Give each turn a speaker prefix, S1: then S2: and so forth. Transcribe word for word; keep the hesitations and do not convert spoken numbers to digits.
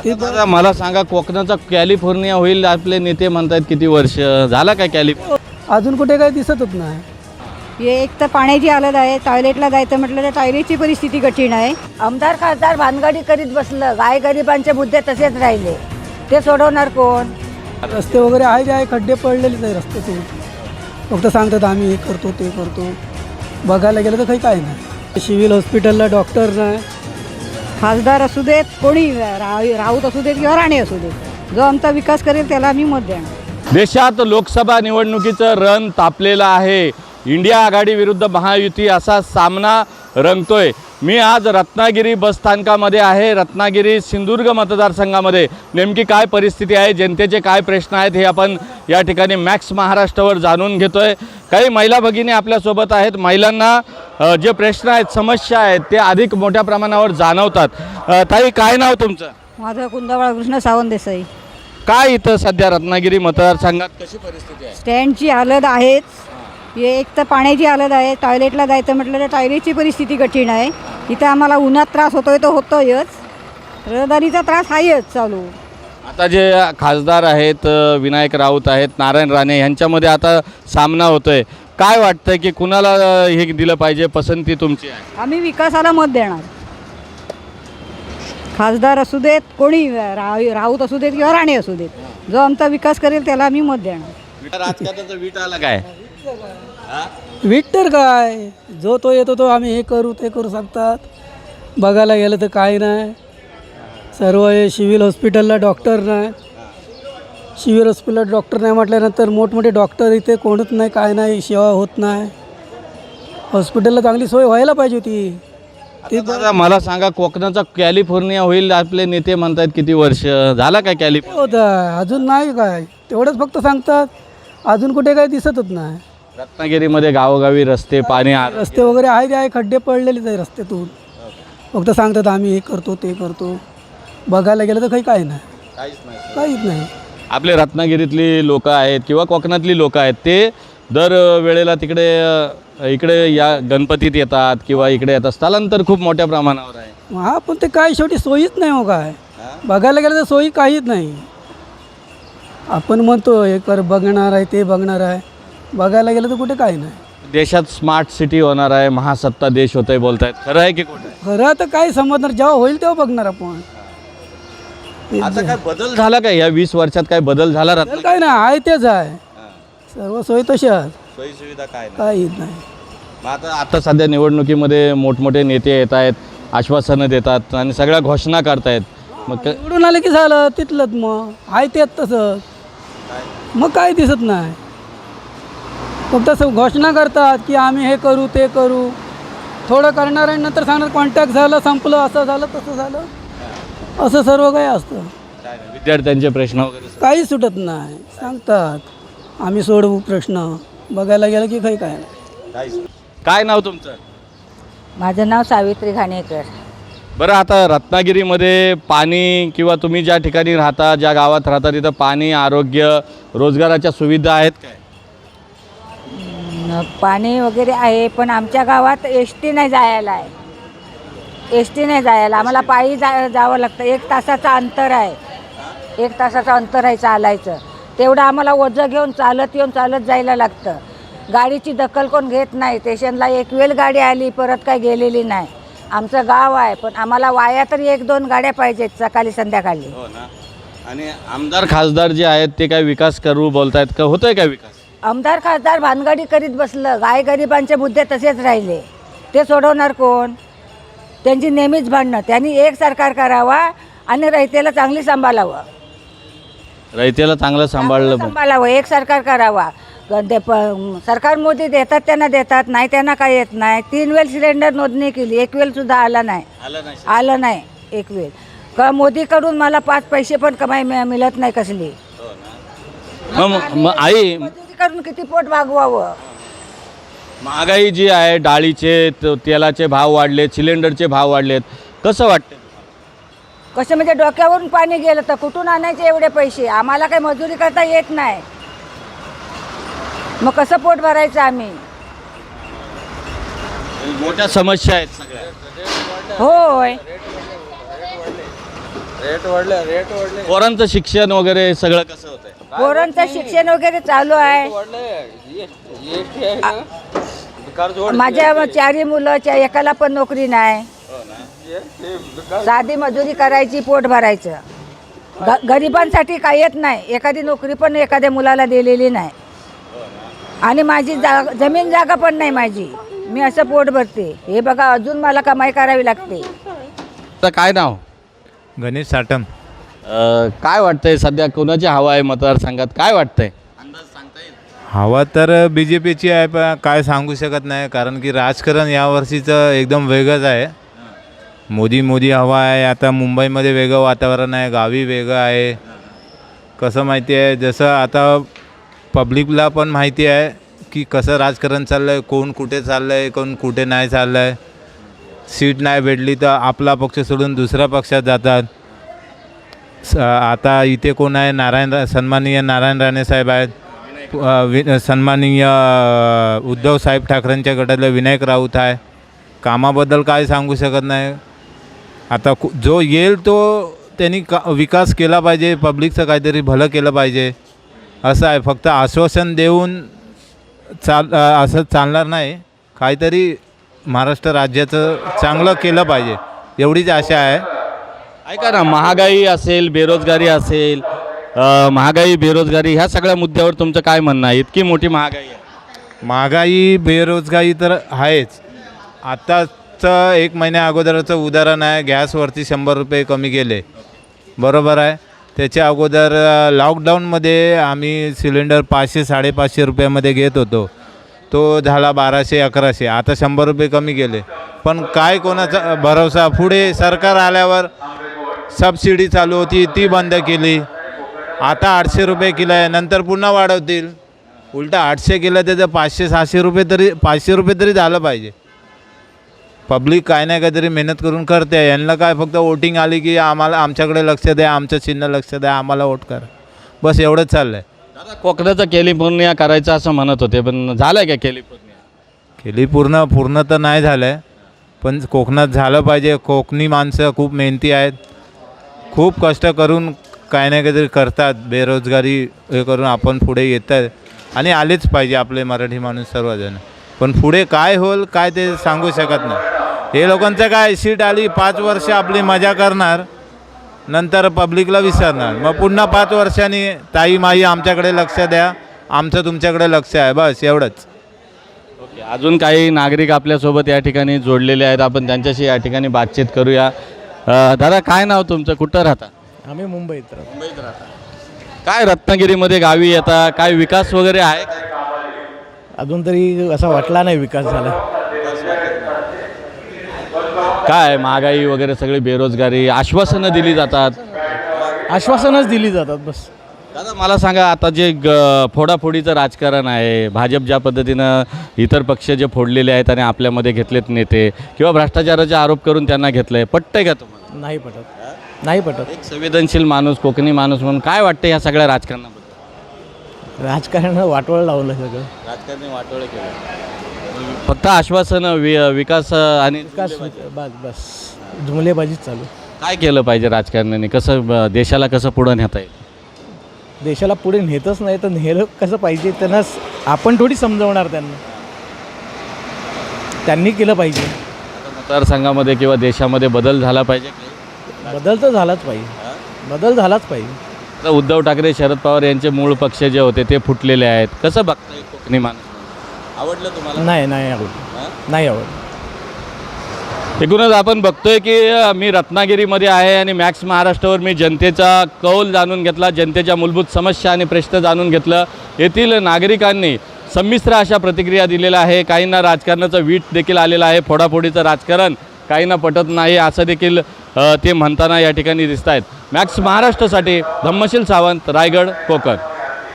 S1: दादा मला सांगा, कोकणाचा कॅलिफोर्निया होईल आपले नेते म्हणतात, किती वर्ष झाला काय कॅलिफोर्निया?
S2: अजून कुठे काही दिसतच नाही.
S3: हे एक तर पाण्याची हालत आहे, टॉयलेटला जायचं म्हटलं तर टॉयलेटची परिस्थिती कठीण आहे. आमदार खासदार भानगडी करीत बसलं, गाय गरिबांचे मुद्दे तसेच राहिले, ते सोडवणार कोण?
S2: रस्ते वगैरे आहे जे आहे, खड्डे पडलेलेच आहे रस्त्यातून. फक्त सांगतात आम्ही हे करतो ते करतो, बघायला गेलं तर काही काय नाही. सिव्हिल हॉस्पिटलला डॉक्टर नाही.
S3: खासदार असू देत, कोणी रा राऊत असू देत किंवा राणे असू देत, जो आमचा विकास करेल त्याला आम्ही मत देणार.
S1: देशात लोकसभा निवडणुकीचं रण तापलेलं आहे. इंडिया आघाडी विरुद्ध महायुती असा सामना रंगतोय. मी आज रत्नागिरी बसस्थानकामध्ये आहे. रत्नागिरी सिंधुदुर्ग मतदारसंघामध्ये नेमकी काय परिस्थिती आहे, जनतेचे काय प्रश्न आहेत, हे आपण या ठिकाणी मॅक्स महाराष्ट्रावर जाणून घेतोय. काही महिला भगिनी आपल्यासोबत आहेत. महिलांना जे प्रश्न आहेत, समस्या आहेत, ते अधिक मोठ्या प्रमाणावर जाणवतात. ताई, काय नाव तुमचं?
S3: माझं कुंदावळा कृष्ण सावंत देसाई.
S1: काय इथं सध्या रत्नागिरी मतदारसंघात कशी परिस्थिती आहे?
S3: स्टँडची हालत आहेच. हे एक तर पाण्याची हालत आहे, टॉयलेटला जायचं म्हटलं तर टॉयलेटची परिस्थिती कठीण आहे. इथं आम्हाला उन्हात त्रास होतोय तो होतोयच, रहदारीचा त्रास आहेच चालू.
S1: आता जे खासदार आहेत, विनायक राऊत आहेत, नारायण राणे, यांच्यामध्ये आता सामना होतोय. काय वाटतंय की कुणाला हे दिलं पाहिजे, पसंती तुमची आहे?
S3: आम्ही विकासाला मत देणार. खासदार असू देत, कोणी रा राऊत असू देत किंवा राणे असू देत, जो आमचा विकास करेल त्याला आम्ही मत देणार.
S1: राजकारणाचा वीट आला काय?
S2: वीट तर काय, जो तो येतो तो आम्ही हे करू ते करू सांगतात. बघायला गेलं तर काही नाही. सर्व हे सिव्हिल हॉस्पिटलला डॉक्टर नाही. सिव्हिल हॉस्पिटलला डॉक्टर नाही म्हटल्यानंतर मोठमोठे डॉक्टर इथे कोणच नाही, काय नाही, सेवा होत नाही. हॉस्पिटलला चांगली सोय व्हायला पाहिजे होती.
S1: ते दादा मला सांगा, कोकणाचा कॅलिफोर्निया होईल आपले नेते म्हणतात, किती वर्ष झाला काय कॅलिफोर्निया?
S2: होतं अजून नाही, काय तेवढंच फक्त सांगतात. अजून कुठे काही दिसतच नाही.
S1: रत्नागिरीमध्ये गावोगावी रस्ते, पाणी आ-
S2: रस्ते वगैरे आहे जे आहे, खड्डे पडलेलेच आहे रस्त्यातून. फक्त सांगतात आम्ही हे करतो ते करतो, बघायला गेलं तर काही काय नाही, काहीच नाही.
S1: आपले रत्नागिरीतली लोक आहेत किंवा कोकणातली लोक आहेत, ते दर वेळेला तिकडे अ, इकडे या गणपतीत येतात किंवा इकडे येतात. स्थलांतर खूप मोठ्या प्रमाणावर आहे.
S2: हा, पण ते काय शेवटी सोयीच नाही. हो काय बघायला गेलं तर सोयी काहीच नाही. आपण म्हणतो हे कर बघणार आहे ते बघणार आहे, बघायला गेलं तर कुठे काही नाही.
S1: देशात स्मार्ट सिटी होणार आहे, महासत्ता देश होतंय बोलतायत, खरं आहे की खोटं आहे?
S2: खरं तर काय समजणार, जेव्हा होईल तेव्हा बघणार आपण.
S1: आता काय बदल झाला काय या वीस वर्षात? काय बदल झाला?
S2: तर
S1: रत्नागिरी
S2: काय नाही, आहे तेच आहे. सर्व सोयी तशाच,
S1: सोयी सुविधा काय नाही.
S2: काहीच नाही.
S1: मग आता आता सध्या निवडणुकीमध्ये मोठमोठे नेते येत आहेत, आश्वासनं देतात आणि सगळ्या घोषणा करतायत. मग क-
S2: निवडून आले की झालं तिथलंच, मग आहे तेच तसंच, मग काय दिसत नाही. फक्त असं घोषणा करतात की आम्ही हे करू ते करू, थोडं करणार आणि नंतर सांगणार कॉन्टॅक्ट झालं, संपलं, असं झालं तसं झालं, असं सर्व काही असतं.
S1: काय नाही, विद्यार्थ्यांचे प्रश्न वगैरे
S2: काही सुटत नाही. सांगतात आम्ही सोडवू प्रश्न, बघायला गेलं की काही काय नाही.
S1: काय नाव तुमचं?
S3: माझं नाव सावित्री घाणेकर.
S1: बरं, आता रत्नागिरीमध्ये पाणी किंवा तुम्ही ज्या ठिकाणी राहता, ज्या गावात राहता, तिथं पाणी, आरोग्य, रोजगाराच्या सुविधा आहेत काय?
S3: न- पाणी वगैरे आहे, पण आमच्या गावात एस टी नाही जायला आहे. एस टी नाही जायला, आम्हाला पायी जा जावं लागतं. एक तासाचं अंतर आहे, एक तासाचं अंतर आहे चालायचं. तेवढं आम्हाला ओझं घेऊन चालत येऊन चालत जायला लागतं. गाडीची दखल कोण घेत नाही. स्टेशनला एक वेळ गाडी आली, परत काय गेलेली नाही. आमचं गाव आहे, पण आम्हाला वाया तरी एक दोन गाड्या पाहिजेत सकाळी संध्याकाळी.
S1: हो ना. आणि आमदार खासदार जे आहेत ते काय विकास करू बोलतायत का? होतोय काय विकास?
S3: आमदार खासदार भानगडी करीत बसलं, गाय गरिबांचे मुद्दे तसेच राहिले, ते सोडवणार कोण? त्यांची नेहमीच भांडणं. त्यांनी एक सरकार करावा आणि रयतेला चांगली सांभाळावं.
S1: रयतेला चांगलं सांभाळलं पाहिजे.
S3: सांभाळावं, एक सरकार करावा. ते प सरकार मोदी देतात त्यांना देतात, नाही त्यांना काय येत नाही. तीन वेळ सिलेंडर नोंदणी केली, एक वेळ सुद्धा आला नाही, आलं नाही एक वेळ. का मोदीकडून मला पाच पैसे पण कमाई मिळ- मिळत नाही कसली.
S1: मग मग आई,
S3: मोदीकडून किती पोट भागवावं.
S1: महागाई जी आहे, डाळीचे, त- तेलाचे भाव वाढलेत, सिलेंडरचे भाव वाढलेत, कसं वाटतं?
S3: कसं म्हणजे डोक्यावरून पाणी गेलं तर कुठून आणायचे एवढे पैसे? आम्हाला काही मजुरी करता येत नाही, मग कसं पोट भरायचं आम्ही?
S1: मोठ्या समस्या आहेत सगळ्या.
S3: होय,
S4: रेट वाढले रेट वाढले
S1: पोरांचं शिक्षण वगैरे सगळं कसं होतंय?
S3: पोरांचं शिक्षण वगैरे चालू आहे.
S4: जीएसटी आहे ना कर्ज
S3: माझ्या चारही मुलं च्या एकाला पण नोकरी नाही. साधी मजुरी करायची, पोट भरायचं. ग गरिबांसाठी काही येत नाही. एखादी नोकरी पण एखाद्या मुलाला दिलेली नाही. आणि माझी जाग जमीन जागा पण नाही माझी. मी असं पोट भरते. हे बघा, अजून मला कमाई करावी लागते.
S1: तर काय नाव?
S5: गणेश साटम.
S1: अ, काय वाटतंय सध्या कोणाची हवा आहे मतदारसंघात? काय वाटतंय? अंदाज सांगता येईल?
S5: हवा तर बी जे पीची आहे, पण काय सांगू शकत नाही, कारण की राजकारण यावर्षीचं एकदम वेगळंच आहे. मोदी मोदी हवा आहे. आता मुंबईमध्ये वेगळं वातावरण आहे, गावी वेगळं आहे. कसं माहिती आहे, जसं आता पब्लिकला पण माहिती आहे की कसं राजकारण चाललं आहे, कोण कुठे चाललं आहे, कोण कुठे नाही चाललं आहे. सीट नाही भेटली तर आपला पक्ष सोडून दुसऱ्या पक्षात जातात. स आता इथे कोण आहे? नारायण रा सन्माननीय नारायण राणे साहेब आहेत. अ, वि सन्माननीय उद्धव साहेब ठाकरेंच्या गटातले विनायक राऊत आहे. कामाबद्दल काय सांगू शकत नाही. आता कु जो येईल तो त्यांनी का विकास केला पाहिजे, पब्लिकचं काहीतरी भलं केलं पाहिजे, असं आहे. फक्त आश्वासन देऊन चाल असं चालणार नाही. काहीतरी महाराष्ट्र राज्याचं चांगलं केलं पाहिजे, एवढीच आशा आहे.
S1: ऐका ना, महागाई असेल, बेरोजगारी असेल, अ, महागाई बेरोजगारी ह्या सगळ्या मुद्द्यावर तुमचं काय म्हणणं आहे? इतकी मोठी महागाई आहे.
S5: महागाई बेरोजगारी तर आहेच. आत्ताचं एक महिन्या अगोदरचं उदाहरण आहे, गॅसवरती शंभर रुपये कमी केले, बरोबर आहे. त्याच्या अगोदर लॉकडाऊनमध्ये आम्ही सिलेंडर पाचशे साडेपाचशे रुपयामध्ये घेत होतो, तो झाला बाराशे अकराशे. आता शंभर रुपये कमी केले, पण काय कोणाचा भरोसा? पुढे सरकार आल्यावर सबसिडी चालू होती ती बंद केली. आता आठशे रुपये किलो आहे, नंतर पुन्हा वाढवतील. उलटा आठशे केलं त्याचं पाचशे सहाशे रुपये तरी पाचशे रुपये तरी झालं पाहिजे. पब्लिक काय नाही काहीतरी मेहनत करून करते. यांना काय फक्त वोटिंग आली की आम्हाला आमच्याकडे लक्ष द्या, आमचं चिन्ह लक्ष द्या, आम्हाला वोट करा, बस एवढंच चाललं आहे.
S1: दादा, कोकणाचं कॅलिफोर्निया करायचं असं म्हणत होते, पण झालं आहे का कॅलिफोर्निया?
S5: केली पूर्ण पूर्ण तर नाही झालं आहे, पण कोकणात झालं पाहिजे. कोकणी माणसं खूप मेहनती आहेत, खूप कष्ट करून काय नाही काहीतरी करतात. बेरोजगारी हे करून आपण पुढे येतात आणि आलेच पाहिजे आपले मराठी माणूस सर्वजण. पण पुढे काय होईल काय ते सांगू शकत नाही. हे लोकांचं काय, सीट आली पाच वर्ष आपली मजा करणार, नंतर पब्लिकला विसरणार. मग पुन्हा पाच वर्षांनी ताई माई आमच्याकडे लक्ष द्या, आमचं तुमच्याकडे लक्ष आहे, बस एवढंच.
S1: ओके, अजून काही नागरिक आपल्यासोबत या ठिकाणी जोडलेले आहेत, आपण त्यांच्याशी या ठिकाणी बातचीत करूया. अ, दादा, काय नाव तुमचं? कुठं राहता?
S2: आम्ही मुंबईत राहतो.
S1: मुंबईत राहता. काय रत्नागिरीमध्ये गावी येता, काय विकास वगैरे आहे का?
S2: अजून तरी असा वाटला नाही विकास झाला.
S1: काय महागाई वगैरे सगळी बेरोजगारी, आश्वासनं दिली जातात.
S2: आश्वासनच दिली जातात बस.
S1: दादा, मला सांगा, आता जे ग फोडाफोडीचं राजकारण आहे, भाजप ज्या पद्धतीनं इतर पक्ष जे फोडलेले आहेत आणि आपल्यामध्ये घेतलेत नेते, किंवा भ्रष्टाचाराचे आरोप करून त्यांना घेतलं आहे, पटतंय का तुम्हाला?
S2: नाही पटत, नाही पटत.
S1: एक संवेदनशील माणूस, कोकणी माणूस म्हणून काय वाटतं ह्या सगळ्या राजकारणाबद्दल?
S2: राजकारण वाटवळ लावलं सगळं.
S1: राजकारणी वाटोळे केलं, फक्त आश्वासनं, वि विकास आणि
S2: विकास बस बस जुमलेबाजीच चालू.
S1: काय केलं पाहिजे राजकारण्यांनी? कसं ब- देशाला कसं पुढं नेता येईल?
S2: देशाला पुढे नेतच नाही तर नेलं कसं पाहिजे त्यांना, आपण थोडी समजवणार त्यांना. त्यांनी केलं पाहिजे.
S1: मतदारसंघामध्ये किंवा देशामध्ये बदल झाला पाहिजे.
S2: बदल तर झालाच पाहिजे, बदल झालाच पाहिजे.
S1: आता उद्धव ठाकरे, शरद पवार यांचे मूळ पक्ष जे होते ते फुटलेले आहेत. कसं बघताय कोकणी माणूस? आवडलं तुम्हाला?
S2: नाही नाही आवडलं, नाही आवडलं.
S1: एकूणच आपण बघतोय की अ, मी रत्नागिरीमध्ये आहे आणि मॅक्स महाराष्ट्रावर मी जनतेचा कौल जाणून घेतला, जनतेच्या मूलभूत समस्या आणि प्रश्न जाणून घेतलं. येथील नागरिकांनी संमिश्र अशा प्रतिक्रिया दिलेल्या आहे. काहींना राजकारणाचं वीट देखील आलेलं आहे. फोडाफोडीचं राजकारण काहींना पटत नाही असं देखील अ, ते म्हणताना या ठिकाणी दिसत आहेत. मॅक्स महाराष्ट्रासाठी धम्मशील सावंत, रायगड, कोकण.